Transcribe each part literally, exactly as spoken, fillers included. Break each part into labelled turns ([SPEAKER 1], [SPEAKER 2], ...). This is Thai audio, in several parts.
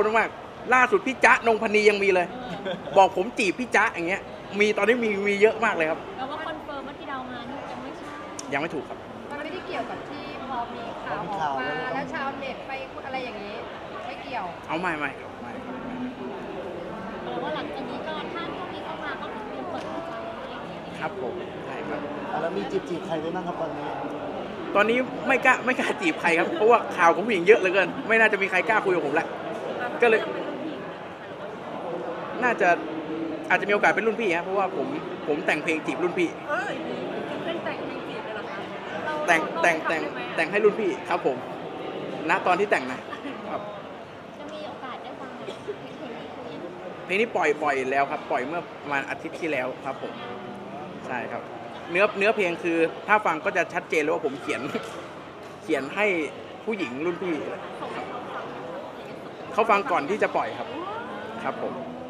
[SPEAKER 1] มากล่าสุดพี่จ๊ะนงพนียังมีเลย บอกผมจีบพี่จ๊ะอย่างเงี้ยมีตอนนี้มีมีเยอะมากเลยครับ
[SPEAKER 2] แล้วว่าคอนเฟิร์มว่าที่เรามานี่ยังไม่ใช่
[SPEAKER 1] ยังไม่ถูกครับ
[SPEAKER 3] มันไม่ได้เกี่ยวกับที่พอมีข่าวออกมาแล้วชาวเน็ตไปอะไรอย่างนี้ไม่เกี่ยว
[SPEAKER 1] เอาไม่ไม่ครับไม่
[SPEAKER 2] แปลว่าหลังจากนี้ก็ถ้าพวกนี้เข้ามาก็คือเตรียมเปิดใจอะไรอย่างเงี้ย
[SPEAKER 1] ครับผมใช่ครับ
[SPEAKER 4] แล้วมีจีบจีบใครไว้บ้างครับตอนนี้
[SPEAKER 1] ตอนนี้ไม่กล้าไม่กล้าจีบใครครับเพราะว่าข่าวของผู้หญิงเยอะเหลือเกินไม่น่าจะมีใครกล้าคุยกับผมแล้วก็เลยน่าจะอาจจะมีโอกาสเป็นรุ่นพี่ครับเพราะว่าผมผมแต่งเพลงจีบรุ่นพี่
[SPEAKER 2] เอ้ยเล่นแต่งเพลงจีบเลยเหรอคะ
[SPEAKER 1] แต่งแต่งแต่งแต่งให้รุ่นพี่ครับผมณตอนที่แต่งนะครับ
[SPEAKER 2] จะมีโอกาสได้ฟังเพลงเพลงนี้คุย
[SPEAKER 1] เพลงนี้ปล่อยปล่อยแล้วครับปล่อยเมื่อประมาณอาทิตย์ที่แล้วครับผมใช่ครับเนื้อเนื้อเพลงคือถ้าฟังก็จะชัดเจนเลยว่าผมเขียนเขียนให้ผู้หญิงรุ่นพี่เขาฟังก่อนที่จะปล่อยครับครับผม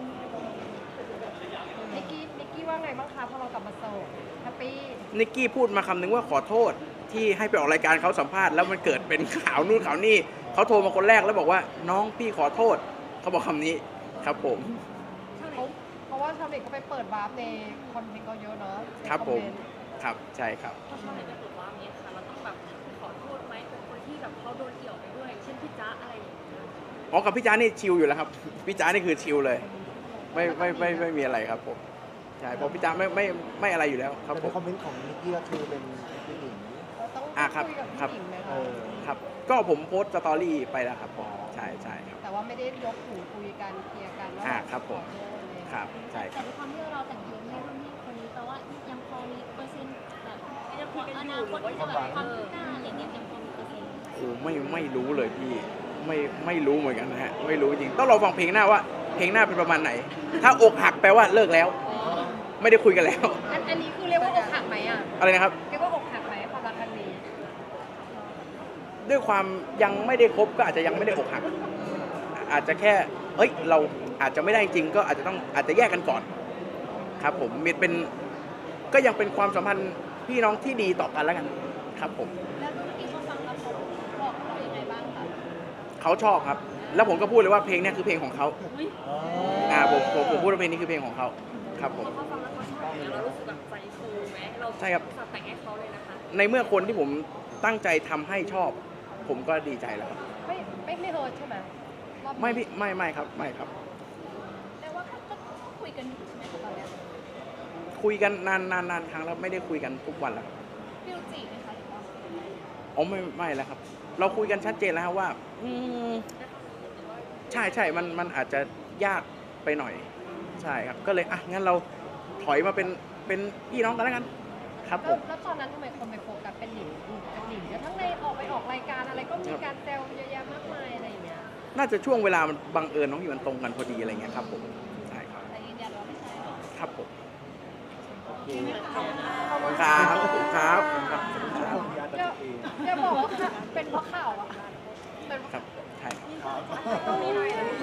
[SPEAKER 3] นิกกี้นิกกี้ว่าไงบ้างคะพอเรากลับมาโสดแฮปปี้
[SPEAKER 1] นิกกี้พูดมาคำนึงว่าขอโทษที่ให้ไปออกรายการเขาสัมภาษณ์แล้วมันเกิดเป็นข่าวนู่นข่าวนี่เขาโทรมาคนแรกแล้วบอกว่าน้องพี่ขอโทษเขาบอกคำนี้ครับผม
[SPEAKER 3] เพราะว่าชาวเน็ตเขาไปเปิดวาร์ปในคอนเทนต์เขาเยอะเนาะ
[SPEAKER 1] ครับผมครับใช่ครับ
[SPEAKER 2] ถ้าชอบในกระตุกว่านี้ค่ะเราต้องแบบขอโทษไหมเป็นคนที่แบบเขาโดนเกี่ยวไปด้วยเช่นพี่จ๊ะอะไรอย่างเงี้ย
[SPEAKER 1] อ๋อกับพี่จ้านี่ชิลอยู่แล้วครับพี่จ้านี่คือชิลเลยไม่ไม่ไม่ไม่มีอะไรครับผมใช่เพราะพี่จ้าไม่ไม่ไม่อะไรอยู่แล้วครับ
[SPEAKER 4] แต่
[SPEAKER 1] ผ
[SPEAKER 4] ใน
[SPEAKER 1] ม
[SPEAKER 4] คอมเมนต์ของนิกกี้ก็คือเป็นผู้หญิง
[SPEAKER 3] เราต้อง
[SPEAKER 1] อ่ะครับ
[SPEAKER 3] คุยกับ
[SPEAKER 1] ครับ
[SPEAKER 3] ผู้หญิงเลย
[SPEAKER 4] เอ
[SPEAKER 3] ค่ะ
[SPEAKER 4] อ
[SPEAKER 1] ครับก็ผมโพสต์สตอรี่ไปแล้วครับผมใช่ใช่ครับ
[SPEAKER 3] แต่ว่าไม่ได้ยกหูคุยกันเคลียร์กันว่า
[SPEAKER 1] อ่ะครับผม
[SPEAKER 3] ขอโทษเลย
[SPEAKER 1] ครับใช่ค
[SPEAKER 2] แต่
[SPEAKER 1] รับ
[SPEAKER 2] ด้วยความที่เราแต่งเพลงให้รุ่นพี่คนนี้แปลว่ายังพอมีเปอร์เซ็นต์แบบยังพออนาคตที่จะแบบความคืบหน้าอะไรเงี้ยยังพอมีเปอร์เซ็นต์
[SPEAKER 1] โอ้ไม่ไม่รู้เลยพี่ไม่ไม่รู้เหมือนกันนะฮะไม่รู้จริงต้องรอฟังเพลงหน้าว่าเพลงหน้าเป็นประมาณไหน ถ้าอกหักแปลว่าเลิกแล้ว ไม่ได้คุยกันแล้ว
[SPEAKER 3] อันอันนี้คือเรียกว่าอกหักไหมอ่ะ
[SPEAKER 1] อะไรนะครับ
[SPEAKER 3] เรียกว่าอกหักไหมความรักครั้งนี้
[SPEAKER 1] ด้วยความยังไม่ได้คบก็อาจจะยังไม่ได้อกหัก อาจจะแค่เอ้ยเราอาจจะไม่ได้จริงก็อาจจะต้องอาจจะแยกกันก่อน ครับผมมีเป็นก็ยังเป็นความสัมพันธ์พี่น้องที่ดีต่อกันแล้วกันครับผม
[SPEAKER 2] แล้วรุ่นพี่เขาฟังแล้วเขาบอกเรายังไงบ้างคะ
[SPEAKER 1] เขาชอบครับ แล้วผมก็พูดเลยว่าเพลงเนี้ยคือเพลงของเขาอ่าผมผมผมพูดว่าเพลงนี้คือเพลงของเขาครับผม
[SPEAKER 2] เขาฟังแล้วเขาชอบเนี่ยเรารู้สึกแบบใจฟูไหมเรา
[SPEAKER 1] ใช่ครับ
[SPEAKER 2] แต่งให้เขาเลยนะคะ
[SPEAKER 1] ในเมื่อคนที่ผมตั้งใจทำให้ชอบ ผมก็ดีใจแล้วครับ
[SPEAKER 3] ไม่ไม่ไม่เฮิร์ตใช่ไหมรอบนี้
[SPEAKER 1] ไม่พี่ไม่ไม่ครับไม่ครับ
[SPEAKER 2] แต่ว่าก็ก็คุยกันอยู่ใช่ไหมคะตอนเนี้ย
[SPEAKER 1] คุยกันนานนานนานครั้งแล้วไม่ได้คุยกันทุกวันแล้ว
[SPEAKER 2] ฟิลจีไหมคะหรือว่า
[SPEAKER 1] อ๋อไม่ไม่แล้วครับ เราคุยกันชัดเจนแล้วครับว่า อืมใช่ใช่มันมันอาจจะยากไปหน่อย ใช่ครับ ก็เลยอ่ะงั้นเราถอยมาเป็นเป็นพี่น้องกันแล้วกัน ครับผ
[SPEAKER 3] แล้ว
[SPEAKER 1] ม
[SPEAKER 3] แล้วตอนนั้นทำไมคนไปโฟกัสเป็นหนิงเป็นหนิงเดี๋ยวทั้งในออกไปออกรายการอะไรก็มีการแซวเยอะแยะมากมายอะไรอย่างเงี้ย
[SPEAKER 1] น่าจะช่วงเวลามันบังเอิญน้องอยู่มันตรงกันพอดีอะไรเงี้ยครับผมใช่ครับ
[SPEAKER 2] แต่ยืนยันว่าไม่ใช่หรอ
[SPEAKER 1] ครับผม
[SPEAKER 3] ขอบคุณ
[SPEAKER 1] ขอบคุณครับขอบคุณครับขอบคุณครับ
[SPEAKER 3] อย่าอย่าบอกว่าเป็นเพราะข่าวอะเป็นเพราะ
[SPEAKER 1] ครับใช่ครับ
[SPEAKER 3] ต้องมีหน่อยนะ